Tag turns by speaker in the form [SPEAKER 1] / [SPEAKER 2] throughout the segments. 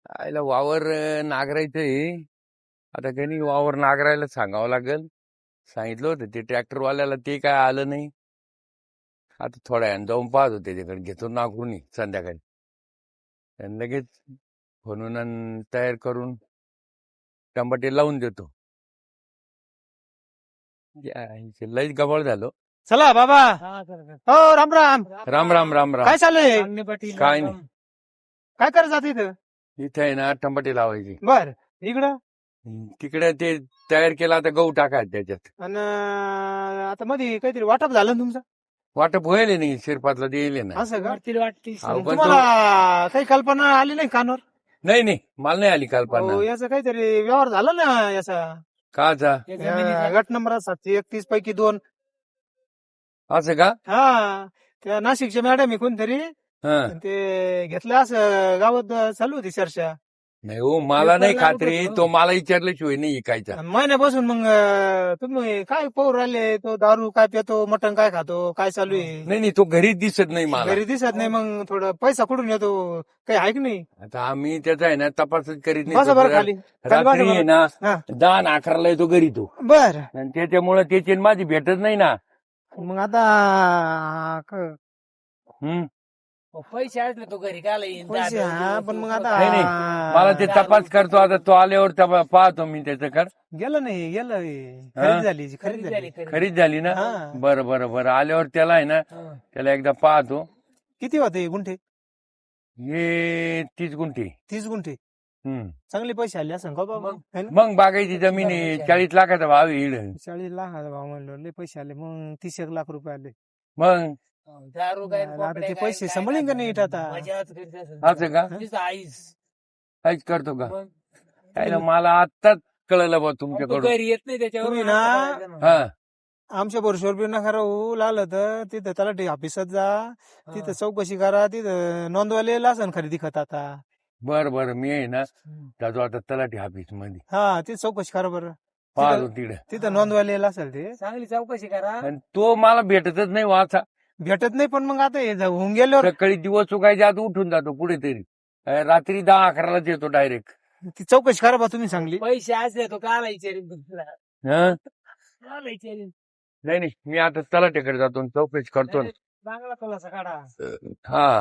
[SPEAKER 1] आयला वावर नांगरायचंय. आता काही वावर नांगरायला सांगावं लागेल. सांगितलं होतं ते ट्रॅक्टरवाल्याला, ते काय आलं नाही. आता थोड्या वेळानं जाऊन पाहतो त्याच्याकडे, घेतो नांगरून संध्याकाळी आणि लगेच म्हणून तयार करून टमाटे लावून देतो. लईच गबाळ झालो.
[SPEAKER 2] चला बाबा. हो राम राम.
[SPEAKER 1] राम राम राम राम.
[SPEAKER 2] काय चाललंय?
[SPEAKER 1] काय नाही,
[SPEAKER 2] काय करत जात इथं?
[SPEAKER 1] इथे आहे ना टमाटे लावायचे.
[SPEAKER 2] बर इकडं
[SPEAKER 1] तिकडे ते तयार केलं, आता गहू टाकायचं त्याच्यात.
[SPEAKER 2] आणि आता मध्ये काहीतरी वाटप झालं ना तुमचं?
[SPEAKER 1] वाटप व्हायला नाही, शिरपातला देईल ना.
[SPEAKER 2] असं का?
[SPEAKER 1] अहो, पण
[SPEAKER 2] तुम्हाला काही कल्पना आली नाही कानावर?
[SPEAKER 1] नाही नाही, मला नाही आली कल्पना.
[SPEAKER 2] हो, याचं काहीतरी व्यवहार झाला ना याचा.
[SPEAKER 1] काचा?
[SPEAKER 2] गट नंबर 731 पैकी 2.
[SPEAKER 1] असं का?
[SPEAKER 2] हा, त्या नाशिकच्या मॅडम आहे कोणतरी,
[SPEAKER 1] हा.
[SPEAKER 2] ते घेतलं असं गावात चालू होती चर्चा.
[SPEAKER 1] नाही हो, मला नाही खात्री. तो मला विचारल्याशिवाय नाही ऐकायचा.
[SPEAKER 2] महिन्यापासून मग तुम्ही काय पाहू राहिले? तो दारू काय पितो, मटण काय खातो, काय चालू आहे?
[SPEAKER 1] नाही नाही, तो घरीच दिसत नाही मला.
[SPEAKER 2] घरी दिसत नाही, मग थोडं पैसा कुठून येतो? काही आहे की नाही?
[SPEAKER 1] आता आम्ही त्याचा आहे ना तपासच करीत
[SPEAKER 2] बसा बरं
[SPEAKER 1] नाही.
[SPEAKER 2] खाली.
[SPEAKER 1] रात्री आहे ना
[SPEAKER 2] हा.
[SPEAKER 1] 10-11ला येतो घरी तो,
[SPEAKER 2] बर,
[SPEAKER 1] आणि त्याच्यामुळे त्याची आणि माझी भेटत नाही ना.
[SPEAKER 2] मग आता
[SPEAKER 1] हम्म.
[SPEAKER 3] पैसे असले तो घरी काय येईन?
[SPEAKER 2] पैसे हा, पण मग आता
[SPEAKER 1] नाही, मला ते तपास करतो. आता तो आल्यावर पाहतो मी त्याच्याकडे.
[SPEAKER 2] गेलं नाही, गेलं खरेदी झाली, खरेदी झाली.
[SPEAKER 1] खरीच झाली ना.
[SPEAKER 2] हा.
[SPEAKER 1] बरं बरं बरं, आल्यावर त्याला आहे ना, त्याला एकदा पाहतो.
[SPEAKER 2] किती होते गुंठे?
[SPEAKER 1] हे 30 गुंठे.
[SPEAKER 2] 30 गुंठे.
[SPEAKER 1] हम्म.
[SPEAKER 2] चांगले पैसे आले असं का बाबा? है ना?
[SPEAKER 1] मग बागायची जमीन आहे, 40 लाखाचा भाव आहे इकडं.
[SPEAKER 2] 40 लाखाचा भाव म्हणलं, लय पैसे आले. मग 30 लाख रुपये आले.
[SPEAKER 1] मग
[SPEAKER 3] दारू काय
[SPEAKER 2] आता ते पैसे सांभाळीन का नाही आता?
[SPEAKER 1] असं का?
[SPEAKER 3] आईस
[SPEAKER 1] काहीच करतो का?
[SPEAKER 3] मग
[SPEAKER 1] त्याला मला आत्ताच कळलं बा
[SPEAKER 3] तो
[SPEAKER 1] तुमच्याकडून.
[SPEAKER 3] घरी येत नाही त्याच्यावर.
[SPEAKER 2] तुम्ही ना-
[SPEAKER 1] हा.
[SPEAKER 2] आमच्या बरोबर बी नका राहू. लागलं तर तिथं तलाठी ऑफिसात जा, तिथं चौकशी करा, तिथं नोंदवायला लासन खरेदी खत आता.
[SPEAKER 1] बर बर, मी आहे ना जातो आता तलाठी ऑफिस मध्ये,
[SPEAKER 2] हा, तिथं चौकशी करा बरं.
[SPEAKER 1] पाहतो तिकडे.
[SPEAKER 2] तिथं नोंदवायला असेल ते.
[SPEAKER 3] चांगली चौकशी करा.
[SPEAKER 1] आणि तो मला भेटतच नाही वाचा.
[SPEAKER 2] भेटत नाही, पण मग आता हे होऊन गेल्यावर
[SPEAKER 1] सकाळी दिवस चुकायच्या आत उठून जातो कुठेतरी. रात्री 10-11लाच येतो डायरेक्ट.
[SPEAKER 2] ती चौकशी करा बा तुम्ही चांगली.
[SPEAKER 3] पैसे असले तो काला विचारेन तुला.
[SPEAKER 1] हा.
[SPEAKER 3] काला विचारेन.
[SPEAKER 1] नाही नाही, मी आता तलाठ्याकडे जातो आणि चौकशी करतो ना.
[SPEAKER 3] चांगला खुलासा काढा.
[SPEAKER 1] हा.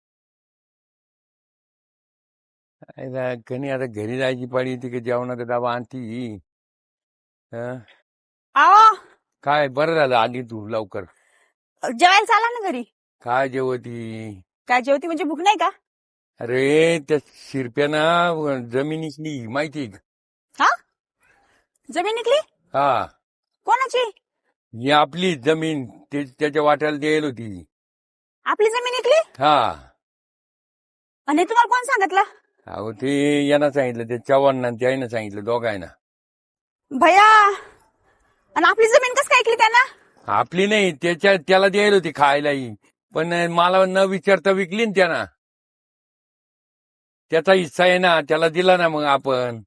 [SPEAKER 1] कणी आता घरी जायची पाळी येते की जेवणाचा डबा आणती. हं?
[SPEAKER 4] अहो
[SPEAKER 1] काय बरं झालं आली तू लवकर.
[SPEAKER 4] जेवायला चाला ना घरी.
[SPEAKER 1] काय जेवती?
[SPEAKER 4] काय जेवती म्हणजे भूक नाही का?
[SPEAKER 1] अरे त्या शिरप्यानं जमिनीतली माहिती आहे का?
[SPEAKER 4] हा, जमीन निघली?
[SPEAKER 1] हा,
[SPEAKER 4] कोणाची?
[SPEAKER 1] ही आपली जमीन त्याच्या वाट्याला द्यायला होती.
[SPEAKER 4] आपली जमीन निघली?
[SPEAKER 1] हा.
[SPEAKER 4] आणि तुम्हाला कोण सांगितलं?
[SPEAKER 1] अहो ते यानं सांगितलं, ते चव्हाण त्यानं सांगितलं, दोघांना.
[SPEAKER 4] भया, आणि आपली जमीन कस काय ऐकली त्यांना?
[SPEAKER 1] आपली नाही, त्याला द्यायला होती खायलाही, पण मला न विचारता विकली ना त्यानं. त्याचा हिस्सा आहे ना, त्याला दिला ना मग आपण.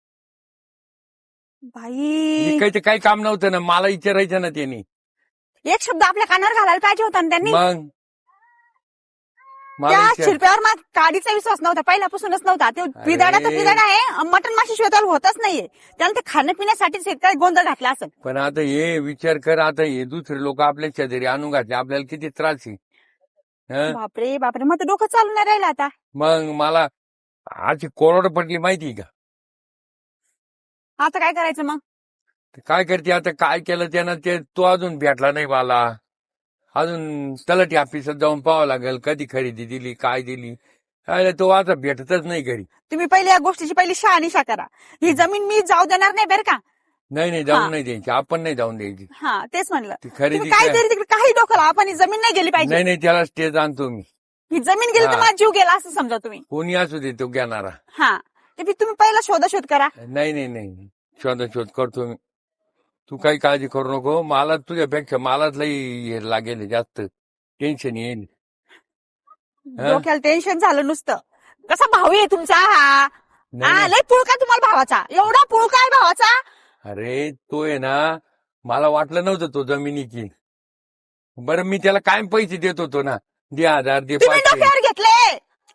[SPEAKER 4] भाई,
[SPEAKER 1] विकायचं काही काम नव्हतं ना, मला विचारायचं ना त्यांनी.
[SPEAKER 4] एक शब्द आपल्या कानावर घालायला पाहिजे होता ना त्यांनी.
[SPEAKER 1] मग मला
[SPEAKER 4] त्या
[SPEAKER 1] विचार.
[SPEAKER 4] शिरप्यावर मग काडीचा विश्वास नव्हता, पहिल्यापासूनच नव्हता. ते पिदाडा तर पिदाडा आहे, मटण माशी शिवाय होतच नाहीये. त्याला ते खाण्यापिण्यासाठी शेतकरी गोंधळ घातला असेल.
[SPEAKER 1] पण आता हे विचार कर, आता हे दुसरे लोक आपल्या शेजारी आणून घातले, आपल्याला किती त्रास आहे. हं?
[SPEAKER 4] बापरे बापरे, मग तर डोकं चालू नाही राहिलं आता.
[SPEAKER 1] मग मला आजची कोरड पडली माहिती का?
[SPEAKER 4] आता काय करायचं मग?
[SPEAKER 1] ते काय करते आता, काय केलं त्यानं ते तो अजून भेटला नाही मला. अजून तलाठी ऑफिसात जाऊन पाहावं लागेल, कधी खरेदी दिली, काय दिली. काय तो आता भेटतच नाही घरी.
[SPEAKER 4] तुम्ही पहिले या गोष्टीची पहिली शहानिशा करा. ही जमीन मी जाऊ देणार नाही बरं का?
[SPEAKER 1] नाही नाही,
[SPEAKER 4] हा.
[SPEAKER 1] जाऊन नाही द्यायची, आपण नाही जाऊन द्यायची.
[SPEAKER 4] हा, तेच म्हणलं.
[SPEAKER 1] ती खरेदी
[SPEAKER 4] तुम्ही काहीतरी तिकडे काही डोकं लावा, पण ही जमीन नाही गेली पाहिजे.
[SPEAKER 1] नाही नाही, त्याला स्टेज आणतो मी.
[SPEAKER 4] ही जमीन गेली तर
[SPEAKER 1] हा.
[SPEAKER 4] माझा जीव गेला असं समजा तुम्ही.
[SPEAKER 1] कोणी असू दे तो घेणारा.
[SPEAKER 4] हा, ते तुम्ही पहिला शोधाशोध करा.
[SPEAKER 1] नाही नाही नाही, शोध करतो मी. तू काही काळजी करू नको. मला तुझ्यापेक्षा मलाच लई हे लागेल, जास्त टेन्शन येईल. हा?
[SPEAKER 4] डोक्याला टेन्शन झालं नुसतं. कसा भाऊ आहे तुमचा हा?
[SPEAKER 1] नाही,
[SPEAKER 4] हा,
[SPEAKER 1] नाही.
[SPEAKER 4] लय पुळका तुम्हाला भावाचा, एवढा पुळका आहे भावाचा.
[SPEAKER 1] अरे तो आहे ना, मला वाटलं नव्हतं तो जमिनीची. बरं मी त्याला कायम पैसे देत होतो ना, दे 1000 दे
[SPEAKER 4] तुम्ही
[SPEAKER 1] 500.
[SPEAKER 4] डोक्यावर घेतले.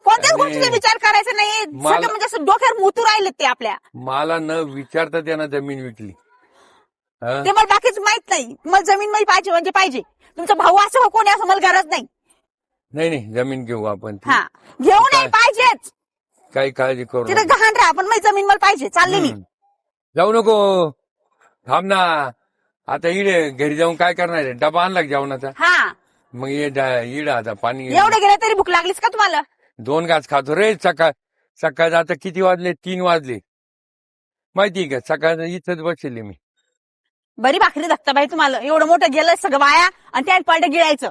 [SPEAKER 4] कोणत्याच
[SPEAKER 1] अरे,
[SPEAKER 4] गोष्टीचा विचार करायचा नाही.
[SPEAKER 1] मला-
[SPEAKER 4] सगळं म्हणजे असं डोक्यावर मोतू राहिले ते आपल्या.
[SPEAKER 1] मला न विचारता त्यानं जमीन विकली. हं?
[SPEAKER 4] ते मला बाकीच माहित नाही. मला जमीन मला पाहिजे म्हणजे पाहिजे. तुमचा भाऊ असं हो कोणी असं मला गरज नाही.
[SPEAKER 1] नाही जमीन घेऊ आपण ती.
[SPEAKER 4] हा घेऊ नाही पाहिजेच.
[SPEAKER 1] काही काळजी करू
[SPEAKER 4] तिथे
[SPEAKER 1] नको.
[SPEAKER 4] गहाण राहा पण माझी जमीन मला पाहिजे. चालले मी.
[SPEAKER 1] जाऊ नको, थांब ना. आता इडे घरी जाऊन काय करणार आहे? डबा आणला का जेवणाचा?
[SPEAKER 4] हा
[SPEAKER 1] मग इड आता पाणी
[SPEAKER 4] एवढे गेले तरी भूक लागलीच का तुम्हाला?
[SPEAKER 1] 2 घास खातो रे. सकाळ आता किती वाजले? 3 वाजले. माहिती का सकाळ इथंच बसले मी.
[SPEAKER 4] बरी भाकरी धक्ता बाई तुम्हाला. एवढं मोठं गेलं सगळं वाया आणि त्यात पडलं गिळायचं.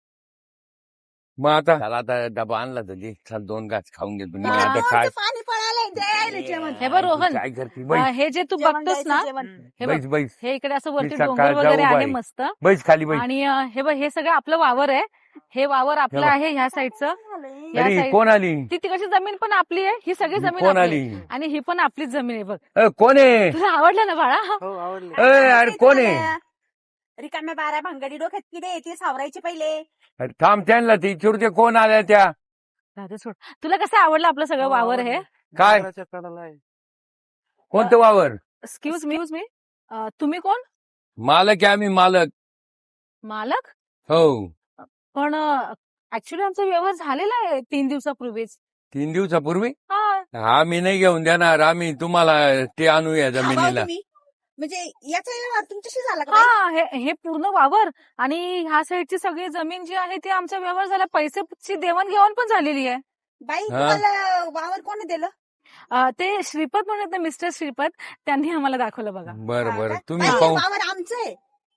[SPEAKER 1] मग आता त्याला आता डबा आणला तर दे. चल 2 घास खाऊन घेतो मी. आता काय
[SPEAKER 4] पाणी पळालंय द्यायला जेवण.
[SPEAKER 5] हे बघ रोहन,
[SPEAKER 1] काय करते? बैस
[SPEAKER 5] हे जे तू
[SPEAKER 4] जेवण
[SPEAKER 5] बघतोस ना,
[SPEAKER 4] द्यायचं जेवण.
[SPEAKER 5] हे बघ,
[SPEAKER 1] बैस बैस
[SPEAKER 5] हे इकडे असं वरती
[SPEAKER 1] मी सकाळ
[SPEAKER 5] डोंगर वगैरे
[SPEAKER 1] जाऊ
[SPEAKER 5] आहे
[SPEAKER 1] बाई.
[SPEAKER 5] मस्त.
[SPEAKER 1] बैस खाली बैस.
[SPEAKER 5] आणि हे बघ, हे सगळं आपलं वावर आहे. हे वावर आपलं
[SPEAKER 1] हे बघ.
[SPEAKER 5] आहे ह्या साईडचं. या
[SPEAKER 1] अरे
[SPEAKER 5] साईड
[SPEAKER 1] कोण आली?
[SPEAKER 5] ती तिकडची जमीन पण आपली आहे. ही सगळी जमीन
[SPEAKER 1] कोण
[SPEAKER 5] आपली
[SPEAKER 1] आली?
[SPEAKER 5] आहे. आणि ही पण आपलीच जमीन आहे बघ.
[SPEAKER 1] कोण आहे?
[SPEAKER 5] तुला आवडलं ना बाळा?
[SPEAKER 2] हो आवडले.
[SPEAKER 1] अरे कोण आहे?
[SPEAKER 4] रिकाम्या बारा भांगडी डोक्यात किडे ते सावरायचे पहिले.
[SPEAKER 1] अरे थांब त्यांना ती चिडते. कोण आल्या त्या?
[SPEAKER 5] राहू सोड. तुला कसं आवडलं आपलं सगळं वावर हे?
[SPEAKER 1] काय?
[SPEAKER 2] डोंगराच्या कडाला आहे.
[SPEAKER 1] कोणतं वावर?
[SPEAKER 5] एक्सक्यूज मी तुम्ही कोण?
[SPEAKER 1] मालक आहे आम्ही, मालक.
[SPEAKER 5] मालक?
[SPEAKER 1] हो.
[SPEAKER 5] पण ऍक्च्युली आमचा व्यवहार झालेला आहे 3 दिवसापूर्वीच.
[SPEAKER 1] 3 दिवसापूर्वी?
[SPEAKER 5] हा
[SPEAKER 1] आम्ही नाही घेऊन देणार. आम्ही तुम्हाला ते आणूया
[SPEAKER 4] हा,
[SPEAKER 1] जमिनीला.
[SPEAKER 4] तुम्ही म्हणजे याचा व्यवहार तुमच्याशी झाला का बाई?
[SPEAKER 5] हा हे पूर्ण वावर आणि ह्या साईडची सगळी जमीन जी आहे ती आमचा व्यवहार झाला. पैशाची देवाणघेवाण पण झालेली आहे.
[SPEAKER 4] बाई
[SPEAKER 1] हा.
[SPEAKER 4] तुम्हाला वावर कोणी दिलं?
[SPEAKER 5] ते श्रीपत म्हणत ना, मिस्टर श्रीपत, त्यांनी आम्हाला दाखवलं बघा.
[SPEAKER 1] बरं
[SPEAKER 4] हा
[SPEAKER 1] बरं
[SPEAKER 4] का?
[SPEAKER 1] तुम्ही
[SPEAKER 4] बाई,
[SPEAKER 1] पाहू.
[SPEAKER 4] वावर आमचं आहे.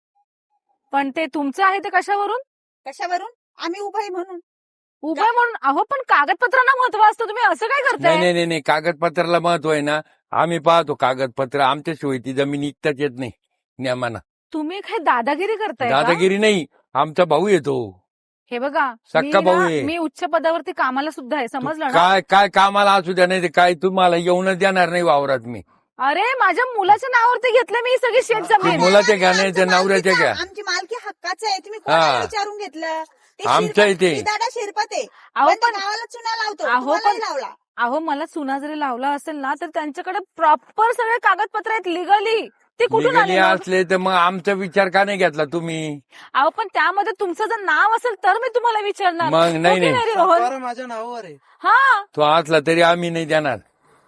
[SPEAKER 5] पण ते तुमचं आहे ते कशावरून?
[SPEAKER 4] कशावरून? आम्ही उभं आहे म्हणून.
[SPEAKER 5] उभं म्हणून. अहो पण कागदपत्रांना महत्व असतं. तुम्ही असं काय
[SPEAKER 1] नाही
[SPEAKER 5] करताय?
[SPEAKER 1] नाही नाही नाही कागदपत्राला महत्व आहे ना. आम्ही पाहतो कागदपत्र. आमच्याशिवाय ती जमीन इकताच येत नाही नियमानं.
[SPEAKER 5] तुम्ही काय दादागिरी करताय का?
[SPEAKER 1] दादागिरी नाही. आमचा भाऊ येतो.
[SPEAKER 5] हे बघा,
[SPEAKER 1] सक्का भाऊ आहे.
[SPEAKER 5] मी उच्च पदावरती कामाला सुद्धा आहे, समजलं ना?
[SPEAKER 1] काय काय कामाला असू द्या, नाही ते काय तुम्हाला येऊनच देणार नाही वावरात मी.
[SPEAKER 5] अरे माझ्या मुलाच्या नावावरती घेतलं मी ही सगळी शेत
[SPEAKER 1] ते
[SPEAKER 5] जमीन.
[SPEAKER 1] मुलाच्या घ्या नाही, ते
[SPEAKER 4] आमच्या
[SPEAKER 1] नवऱ्याच्या घ्या.
[SPEAKER 4] आमची मालकी हक्काचं आहे. तुम्ही
[SPEAKER 1] हा.
[SPEAKER 4] कोणाला विचारून घेतलं? ते
[SPEAKER 1] आमच्या
[SPEAKER 4] शिरपत-
[SPEAKER 1] इथे.
[SPEAKER 4] मी दादा शिरपत आहे.
[SPEAKER 5] अहो
[SPEAKER 4] पण त्या
[SPEAKER 5] पण
[SPEAKER 4] गावाला चुना लावतो.
[SPEAKER 5] अहो,
[SPEAKER 4] तुम्हालाही
[SPEAKER 5] पण-
[SPEAKER 4] लावला.
[SPEAKER 5] अहो मला चुना जरी लावला असेल ना, तर त्यांच्याकडे प्रॉपर सगळे कागदपत्र आहेत लिगली. ते कुठून आले
[SPEAKER 1] निघाली
[SPEAKER 5] मग?
[SPEAKER 1] असले तर मग आमचा विचार का नाही घेतला तुम्ही?
[SPEAKER 5] अहो पण त्यामध्ये तुमचं जर नाव असेल तर मी तुम्हाला विचारणार.
[SPEAKER 1] मग
[SPEAKER 5] हो
[SPEAKER 1] नाही
[SPEAKER 5] की
[SPEAKER 1] नाही
[SPEAKER 5] रे रोहन?
[SPEAKER 2] सातबारा माझ्या नावावर आहे.
[SPEAKER 5] हा
[SPEAKER 1] तो असला तरी आम्ही नाही देणार.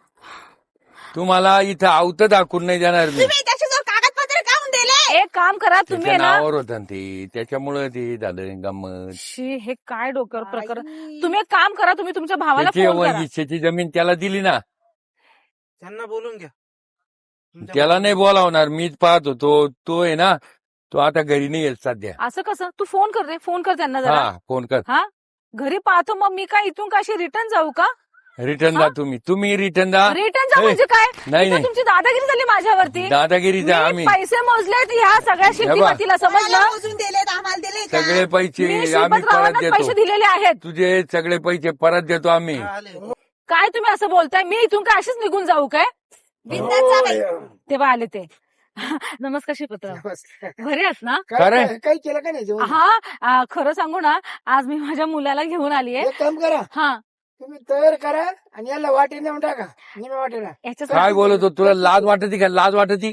[SPEAKER 1] तुम्हाला इथं आवत दाखवून नाही देणार मी.
[SPEAKER 4] तुम्ही त्याच्याजवळ कागदपत्र काढून दिले.
[SPEAKER 5] एक काम करा तुम्ही
[SPEAKER 1] त्याच्या
[SPEAKER 5] आहे ना.
[SPEAKER 1] नावावर होतं ना ते, त्याच्यामुळे ते झालं गंमत.
[SPEAKER 5] शी, हे काय डोक्यावर प्रकरण.
[SPEAKER 4] बाई.
[SPEAKER 5] तुम्ही एक काम करा, तुम्ही तुमच्या भावाला
[SPEAKER 1] त्याची
[SPEAKER 5] फोन करा.
[SPEAKER 1] हिस्सेची जमीन त्याला दिली ना.
[SPEAKER 2] त्यांना बोलून घ्या. तुमच्या
[SPEAKER 1] त्याला नाही बोलावणार. मीच पाहतो. तो आहे ना, तो आता घरी नाही येत सध्या.
[SPEAKER 5] असं कसं? तू फोन कर रे, फोन कर त्यांना जरा.
[SPEAKER 1] हा फोन कर.
[SPEAKER 5] घरी पाहतो मग मी काय इथून काशी रिटर्न जाऊ का?
[SPEAKER 1] रिटर्न
[SPEAKER 5] हा?
[SPEAKER 1] जा तुम्ही रिटर्न जा.
[SPEAKER 5] रिटर्न जा
[SPEAKER 1] ए,
[SPEAKER 5] म्हणजे काय?
[SPEAKER 1] नाही
[SPEAKER 5] इथं
[SPEAKER 1] नाही
[SPEAKER 5] तुमची दादागिरी झाली माझ्यावरती.
[SPEAKER 1] दादागिरी जा.
[SPEAKER 5] मी
[SPEAKER 1] आम्ही
[SPEAKER 5] पैसे मोजलेत ह्या सगळ्या शेतीमातीला,
[SPEAKER 4] कोणाला
[SPEAKER 5] समजलं?
[SPEAKER 4] मोजून दिलेत? आम्हाला दिले का?
[SPEAKER 1] सगळे
[SPEAKER 5] मी
[SPEAKER 1] पैसे आम्ही परत
[SPEAKER 5] श्रीपतरावांना पैसे
[SPEAKER 1] देतो.
[SPEAKER 5] दिलेले आहेत.
[SPEAKER 1] तुझे सगळे पैसे परत देतो आम्ही.
[SPEAKER 2] हा, आले.
[SPEAKER 5] काय तुम्ही असं बोलताय? मी इथून काय अशीच निघून जाऊ काय?
[SPEAKER 4] बिनधास्त जा बाई.
[SPEAKER 5] तेव्हा आले ते. नमस्कार श्रीपतराव, घरी आहात ना?
[SPEAKER 1] खरं?
[SPEAKER 2] काही केलं का नाही जेवण?
[SPEAKER 5] हा, खरं सांगू ना, आज मी माझ्या मुलाला घेऊन आलीये.
[SPEAKER 2] एक काम करा,
[SPEAKER 5] हा,
[SPEAKER 2] तुम्ही तयार करा आणि याला वाटी नेऊन टाका. निम्या वाटेला
[SPEAKER 5] याच्यासाठी
[SPEAKER 1] काय बोलतो? तुला लाज वाटती का? लाज वाटती?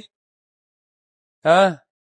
[SPEAKER 1] हा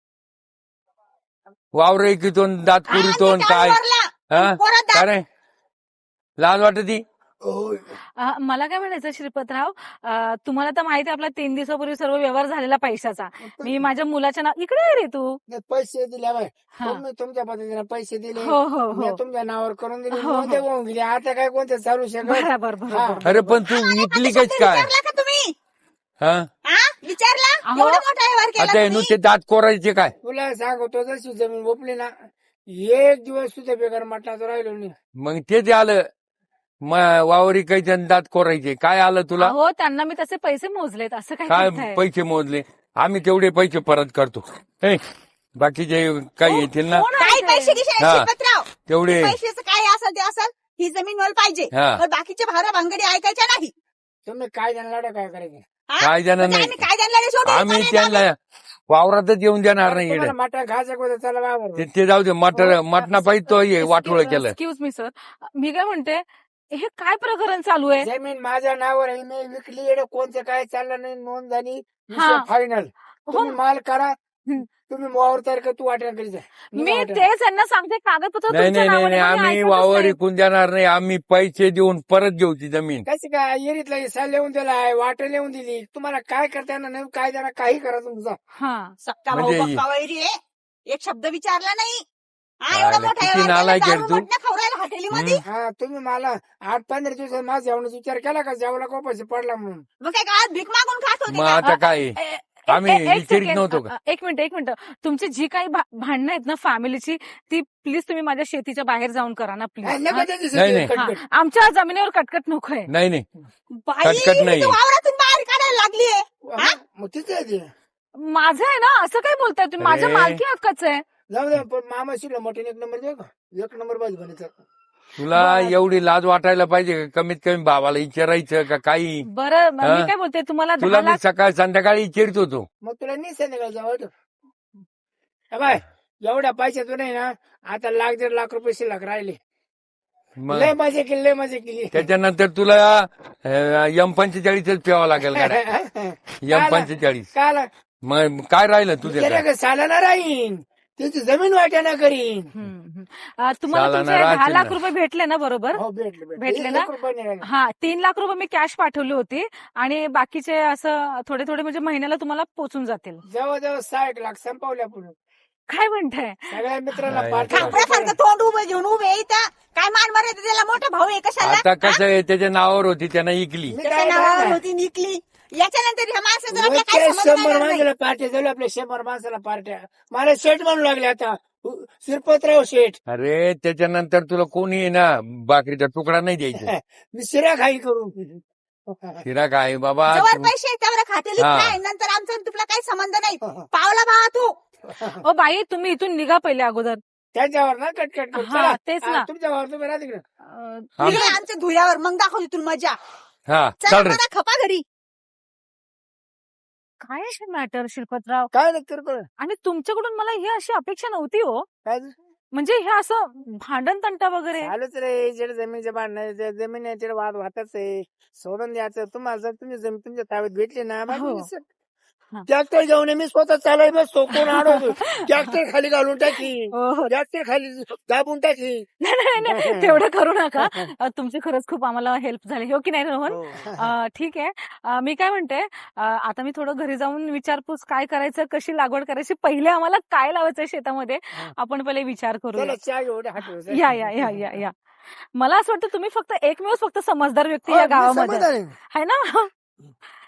[SPEAKER 1] वावर एकीतो दात पुरीतो
[SPEAKER 4] आणि
[SPEAKER 1] काय?
[SPEAKER 4] कामावरला.
[SPEAKER 1] हा
[SPEAKER 4] पोरात दात-
[SPEAKER 1] काय रे? लाज वाटती?
[SPEAKER 5] मला काय म्हणायचं श्रीपतराव, तुम्हाला तर माहिती आहे आपला 3 दिवसापूर्वी सर्व व्यवहार झालेला पैशाचा. मी माझ्या मुलाच्या नाव इकडे आहे रे तू.
[SPEAKER 2] पैसे दिले बाय.
[SPEAKER 5] हा.
[SPEAKER 2] तुम्ही तुमच्या पद्धतीने पैसे दिले,
[SPEAKER 5] हो हो
[SPEAKER 2] मी
[SPEAKER 5] हो,
[SPEAKER 2] तुमच्या नावावर करून दिले,
[SPEAKER 5] हो, हो.
[SPEAKER 2] उद्या होऊन गेले. आता काय कोणतं चालू शकत?
[SPEAKER 5] बरोबर
[SPEAKER 2] हा.
[SPEAKER 5] बरोबर.
[SPEAKER 1] अरे पण तू विकली कच काय?
[SPEAKER 4] विचारला का तुम्ही?
[SPEAKER 1] हा
[SPEAKER 4] हा विचारला?
[SPEAKER 5] अहो.
[SPEAKER 4] एवढा मोठा व्यवहार केला
[SPEAKER 1] आता
[SPEAKER 4] तुम्ही?
[SPEAKER 1] नुसते दात कोरायचे काय?
[SPEAKER 2] तुला सांगतो जशी जमीन ओपली ना, एक दिवस सुद्धा बेकार मटणाचं राहिलो नाही.
[SPEAKER 1] मग तेच आलं. वावरी काही दात कोरायचे काय आलं तुला?
[SPEAKER 5] हो, त्यांना मी तसे पैसे मोजलेत. असं काय
[SPEAKER 1] काय
[SPEAKER 5] करताय?
[SPEAKER 1] पैसे मोजले? आम्ही तेवढे पैसे परत करतो. हे, बाकीचे काही येतील ना
[SPEAKER 5] कोण आहे
[SPEAKER 4] काय
[SPEAKER 5] ते?
[SPEAKER 4] पैसे गिसे
[SPEAKER 1] हा.
[SPEAKER 4] शिरपतराव?
[SPEAKER 1] तेवढे.
[SPEAKER 4] पैशाचं काय असेल ते असेल. ही जमीन मला पाहिजे.
[SPEAKER 1] हा.
[SPEAKER 4] पण बाकीच्या भारा भांगडी ऐकायच्या नाही.
[SPEAKER 2] तुम्ही काय जाणार काय करायचं?
[SPEAKER 4] हा?
[SPEAKER 1] काय जाणार
[SPEAKER 4] म्हणजे
[SPEAKER 1] नाही.
[SPEAKER 4] आम्ही काय त्यांना सोडून
[SPEAKER 1] आम्ही
[SPEAKER 4] चालले
[SPEAKER 1] त्यांना वावरातच येऊन देणार नाही.
[SPEAKER 2] तुम्हाला
[SPEAKER 1] इकडे
[SPEAKER 2] मटण खायचं का? चला बाबा.
[SPEAKER 1] ते जाऊ दे. मटणा पाहिजे तो हे वाटोळ केलं.
[SPEAKER 5] एक्सक्यूज मी सर, मी काय म्हणते, हे काय प्रकरण चालू आहे?
[SPEAKER 3] जमीन माझ्या नावावर आहे, मी विकली. एवढं कोणतं काय चाललं नाही, नोंद झाली,
[SPEAKER 5] हा.
[SPEAKER 3] फायनल.
[SPEAKER 5] हो
[SPEAKER 3] तुम्ही माल करा,
[SPEAKER 5] हं.
[SPEAKER 3] तुम्ही वावर तयार कर, तू वाटेल करी जा.
[SPEAKER 5] मी तेच यांना सांगते, कागदपत्र
[SPEAKER 1] नाही
[SPEAKER 5] तुमच्या
[SPEAKER 1] नाही नाही
[SPEAKER 5] नावाने,
[SPEAKER 1] नाही,
[SPEAKER 5] कोणी
[SPEAKER 1] आम्ही
[SPEAKER 5] ऐकतच
[SPEAKER 1] वावर
[SPEAKER 5] नाही.
[SPEAKER 1] विकून देणार नाही. आम्ही पैसे देऊन परत घेऊ ती जमीन.
[SPEAKER 3] कसं काय एरीतला हिस्सा लिहून दिलाय, वाट लिहून दिली, तुम्हाला काय करता येणार नाही, काय देणार, काही करा तुमचा.
[SPEAKER 5] हा.
[SPEAKER 4] सक्का भाऊ
[SPEAKER 1] म्हणजे-
[SPEAKER 4] पक्का वैरी आहे. एक शब्द विचारला नाही. हा
[SPEAKER 1] आला,
[SPEAKER 4] एवढा मोठा
[SPEAKER 1] किती
[SPEAKER 4] व्यवहार केला,
[SPEAKER 1] नालायक आहे
[SPEAKER 4] दारू
[SPEAKER 1] तू.
[SPEAKER 4] मटणं खाऊ राहिला हॉटेलीमध्ये.
[SPEAKER 5] म्हणजे?
[SPEAKER 3] तुम्ही मला 8-15 दिवसात माझ्या जेवणाचा विचार केला का, जेवला को पैसे पडला म्हणून.
[SPEAKER 4] मग काय गावात भीक मागून खात होते
[SPEAKER 1] मग
[SPEAKER 4] का?
[SPEAKER 1] आता काय आम्ही
[SPEAKER 5] एक
[SPEAKER 1] विचारित
[SPEAKER 5] सेकंड,
[SPEAKER 1] नव्हतो का?
[SPEAKER 5] एक मिनिट. तुमची जी काही भांडणं आहेत ना फॅमिलीची, ती प्लीज तुम्ही माझ्या शेतीच्या बाहेर जाऊन करा ना
[SPEAKER 3] नाही,
[SPEAKER 5] प्लीज.
[SPEAKER 3] नका त्याची
[SPEAKER 1] नाही, नाही.
[SPEAKER 3] कटकट.
[SPEAKER 5] आमच्या जमिनीवर कटकट नकोय.
[SPEAKER 1] नाही नाही,
[SPEAKER 4] बाई
[SPEAKER 1] कटकट नाही.
[SPEAKER 4] तू वावरातून बाहेर काढायला लागलीये.
[SPEAKER 3] हा, मग तिथे आहे ते.
[SPEAKER 5] माझं आहे ना, असं काय बोलताय तुम्ही? माझ्या
[SPEAKER 1] अरे.
[SPEAKER 5] मालकी हक्काचं आहे.
[SPEAKER 3] जाऊ दे, पण मामा शिरला मटण 1 नंबर देऊ का, 1 नंबर भाजी बनायचं.
[SPEAKER 1] तुला
[SPEAKER 5] बरं.
[SPEAKER 1] एवढी लाज वाटायला पाहिजे का? कमीत कमी बाबाला विचारायचं का काही?
[SPEAKER 5] बरं, मी
[SPEAKER 1] हा?
[SPEAKER 5] काय बोलते, तुम्हाला
[SPEAKER 1] तुला
[SPEAKER 5] 10
[SPEAKER 1] मी
[SPEAKER 5] लाख
[SPEAKER 1] सकाळ संध्याकाळी विचारित होतो.
[SPEAKER 3] मग तुला नाही संध्याकाळी जावं बाय. एवढ्या पैशातून नाही ना, आता 1,00,000-1,50,000 रुपये शिल्लक राहिले.
[SPEAKER 1] मग
[SPEAKER 3] लय मजा केली, लय मजा केली.
[SPEAKER 1] त्याच्यानंतर तुला M45 प्यावं लागेल का? M45.
[SPEAKER 3] काल
[SPEAKER 1] मग काय राहिलं तुझ्या?
[SPEAKER 3] सालाना राहीन, त्याची जमीन वाट्याना करीन.
[SPEAKER 5] तुम्हाला
[SPEAKER 1] सालाना
[SPEAKER 5] तुमचे 10
[SPEAKER 1] राहतील
[SPEAKER 5] लाख
[SPEAKER 1] ना.
[SPEAKER 5] रुपये भेटले ना बरोबर?
[SPEAKER 3] हो, भेटले
[SPEAKER 5] भेटले ना?
[SPEAKER 3] 1 रुपये नाही राहिले.
[SPEAKER 5] हा, 3 लाख रुपये मी कॅश पाठवली होती आणि बाकीचे असं थोडे थोडे म्हणजे महिन्याला तुम्हाला पोचून जातील.
[SPEAKER 3] जवळजवळ 60 लाख संपवल्या पुढे.
[SPEAKER 5] काय म्हणताय?
[SPEAKER 3] सगळ्या मित्रांना
[SPEAKER 1] काय
[SPEAKER 3] पार्टी
[SPEAKER 4] खापऱ्यासारखं तोंड उभं घेऊन उभे आहे इथं. काय मान मर्यादा त्याला मोठा भाऊ आहे कशाला?
[SPEAKER 1] आता कसं आहे, त्याच्या नावावर होती त्यानं इकली.
[SPEAKER 3] मी
[SPEAKER 4] त्याच्या
[SPEAKER 3] काय
[SPEAKER 4] नावावर
[SPEAKER 3] करणार?
[SPEAKER 4] होती निकली. याच्यानंतर ह्या माणसाचं आपल्या
[SPEAKER 3] रोजच्या
[SPEAKER 4] काय संबंध
[SPEAKER 3] 100
[SPEAKER 4] राहणार नाही.
[SPEAKER 3] माणसाला पार्ट्या झाल्या, आपल्या 100 माणसाला पार्ट्या. मला शेठ म्हणू लागले आता, शिरपतराव शेठ.
[SPEAKER 1] अरे त्याच्यानंतर तुला कोणी आहे ना बाकरीचा तुकडा नाही द्यायचा.
[SPEAKER 3] मी शिरा खाई करून.
[SPEAKER 1] शिरा काय बाबा
[SPEAKER 4] जवळ
[SPEAKER 1] तू-
[SPEAKER 4] पैसे आहेत, त्यावर खातेली
[SPEAKER 1] हा.
[SPEAKER 4] काय, नंतर आमचा आणि तुला काही संबंध नाही. पावला भावा तू.
[SPEAKER 5] ओ बाई, तुम्ही इथून निघा पहिले अगोदर.
[SPEAKER 3] त्यांच्यावर ना कटकट कर.
[SPEAKER 5] हा,
[SPEAKER 3] चला.
[SPEAKER 5] तेच
[SPEAKER 3] हा,
[SPEAKER 5] ना.
[SPEAKER 3] तुमच्यावर तुम्ही राहते तिकडे.
[SPEAKER 1] आम-
[SPEAKER 4] ये आमच्या धुळ्यावर मग दाखवते तुला मजा.
[SPEAKER 1] हा
[SPEAKER 4] चला
[SPEAKER 1] चल रे.
[SPEAKER 4] मला खपा घरी.
[SPEAKER 5] काय आहे मॅटर शिल्पतराव?
[SPEAKER 3] काय नाही किरकोळ.
[SPEAKER 5] आणि तुमच्याकडून मला ही अशी अपेक्षा नव्हती हो.
[SPEAKER 3] काय
[SPEAKER 5] म्हणजे हे असं भांडण तंटा वगैरे.
[SPEAKER 3] चालूच रे, जेड जमीनचे भांडण, जमीन याच्या वाद वाहतच आहे. सोडून द्यायचं. तुम्हाला जर तुम्ही जमीन तुमच्या ताब्यात भेटली ना,
[SPEAKER 5] हो. हा.
[SPEAKER 3] ट्रॅक्टर घेऊन मी स्वतः चालाय बसतो, कोण अडवतो. ट्रॅक्टर खाली घालून टाकी,
[SPEAKER 5] हो.
[SPEAKER 3] ट्रॅक्टर खाली दाबून टाकी.
[SPEAKER 5] नाही नाही नाही, तेवढं करू नका. तुमची खरंच खूप आम्हाला हेल्प झाली, हो की नाही रोहन?
[SPEAKER 3] हो.
[SPEAKER 5] ठीक आहे. मी काय म्हणते, आता मी थोडं घरी जाऊन विचारपूस काय करायचं, कशी लागवड करायची, पहिले आम्हाला काय लावायचं शेतामध्ये, आपण पहिले विचार करूया.
[SPEAKER 3] चला चहा एवढे हात
[SPEAKER 5] या या या या या. मला असं वाटतं तुम्ही फक्त एकमेव फक्त समजदार व्यक्ती या गावामध्ये
[SPEAKER 3] समाधान आहे.
[SPEAKER 5] आहे ना.